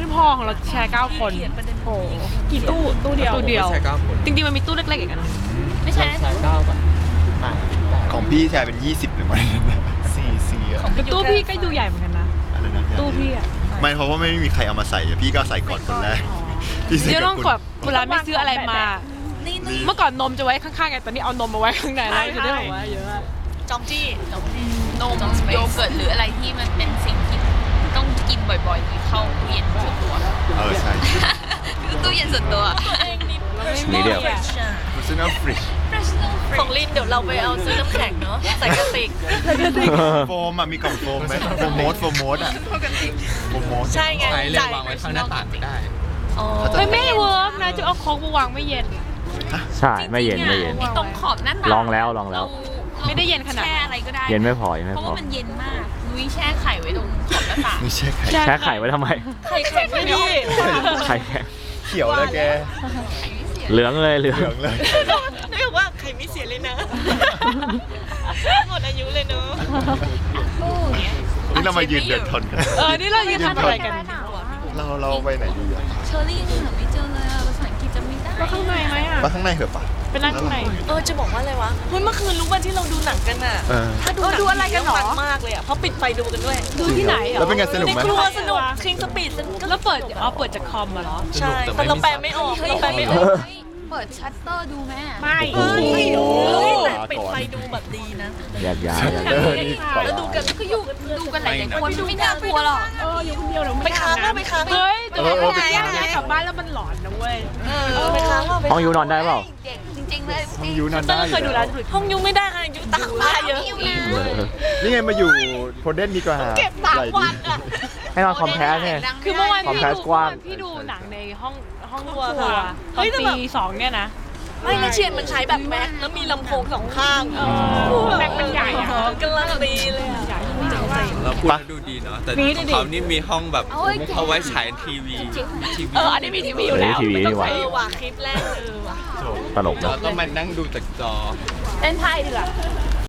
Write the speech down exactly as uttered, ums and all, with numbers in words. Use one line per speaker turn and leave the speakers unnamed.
ไม่พอของเราแชร์เก้าคนโอ้กี่ตู้ตู้เดียวตู้เดียวจริงๆมันมีตู้เล็กๆอีกนะไม่ใช่แชร์เก้าป่ะ
ของพี่แชร์เป็นยี่สิบหรือไม่สี่สี่อะ
ตู้พี่ก็ดูใหญ่เหมือนกันนะตู้พี่อะ
ไม่เพราะว่าไม่มีใครเอามาใส่พี่ก็ใส่ก่อนคนแรก
เดี๋ยวต้องกดเวลาไม่ซื้ออะไรมาเมื่อก่อนนมจะไว้ข้างๆไงตอนนี้เอานมมาไว้ข้างในแล้วจะได้บอกว่าเยอะ
จองจี้นมโยเกิร์ตหรืออะไรที่มันเป็นสิ่งที่ต้องกินบ่อยๆเข้าตู้เย็นส่วนตัว
เออใช่
คือตู้เย็นส่วนตัว
นี่เดียว
personal fridge
ของลินเดี๋ยวเราไปเอาซื้อน้ำแข็งเนาะใส่กระติก
โฟมอ่ะมีกล่องโฟมไหมโฟมโมดโฟมโมดอ่ะโฟมโมด
ใช่ไง
ใช้เลยวางไว้ข้างหน้าต่างไม่ได้
ไม่ไม่เวิร์กนะจะเอาของมาวางไม่เย็น
ใช่ไม่เย็นไม่เย็น
ตรงขอบหน้าต่าง
ลองแล้วลองแล้ว
ไม่ได้เย็นขนาด
แช่อะไรก็ได้
เย็นไม่พอเย็นไม่พอ
เพราะว่ามันเย็นมากนุ้ยแช่ไข่ไว้ตรงขอบหน้าต่าง
ไม่แช่ไข่
แช่ไข่ไว้ทำไม
ไข่แข็งไม่ดี
ไข่แข็ง
เขียวเลยแก
เหลืองเลยเหลือง
เลย
นุ้ยบอกว่าไข่ไม่เสียเลยนะหมดอายุเลยเนอะ
นี่เรามายืนเดินทนกัน
เออนี่เรายืนทำอะไรกัน
เราเราไปไหนดีอ่ะ
เชอรี่ยังหาไม่เจอเลยอ่ะภาษาอังกฤษจะไม่ได้
ไปข้างในไหมอ่ะ
ไปข้างในเหรอปะ
ไปนั่งข้างใน
เออจะบอกว่าอะไรวะเฮ้ยเมื่อคืนรู้ว่าที่เราดูหนังกันอ่ะถ้าดู
ดูอะไรกันหรอ
มากเลยอ่ะเพราะปิดไฟดูกันด้วย
ดูที่ไหนอ่ะ
แล้วเป็นไงสนุกไหม
ในครัวสนุกคิงสปีด
แล้วเปิดอ๋อเปิดจากคอมมาเหรอ
ใช่แต่เราแปลไม่ออกเราแปลไม่ออก
เปิดชัตเตอร์ดูแม่
ไม่
เฮ้ยแต่ปิดไฟดูแบบดีนะ
แยกย้าย
แล้วดูกันก็อยู่กัน
ดูกันหลายคนไม่น่ากลัวหรอก
เอออยู่คนเดียวเรา
ไปค้างไปค้าง
เฮ้ยจะไปไหนกลับบ้านแล้วมันหลอนนะเว้ย
เออไปค้าง
ห้องยูนอนได้เปล่า
จริงๆเลย
ห้องยูนอนได้
เคยดูแล้ว
ห้องยูไม่ได้ค่ะยูตากผ้าเยอะ
นี่ไงมาอยู่โพเดนดีกว่า
เก็บสามวันอ่ะ
ให้นอนคอมแพสเนี่ย
คือเมื่อวานพี่ดูพี่ดูหนังในห้องห้องครัวตอนปีสองเนี่ยนะ
ไม่นะเชียนมันใช้แบบแม็กแล้วมีลำโพงสองข้าง
แม็กมันใหญ่อะ
กำลังดีเลยอะ
เราพูดดูดีเนาะแต่ของเขานี่มีห้องแบบเอาไว้ฉายทีวีทีวี
เอออันนี้มีทีวีอยู่แล้ว
ทีวีนี่หว่า
เออว่ะคลิปแรกเออว่ะ
ตลกนะ
เราต้องมานั่งดูจากจอ
เล่นไพ่ดีกว่า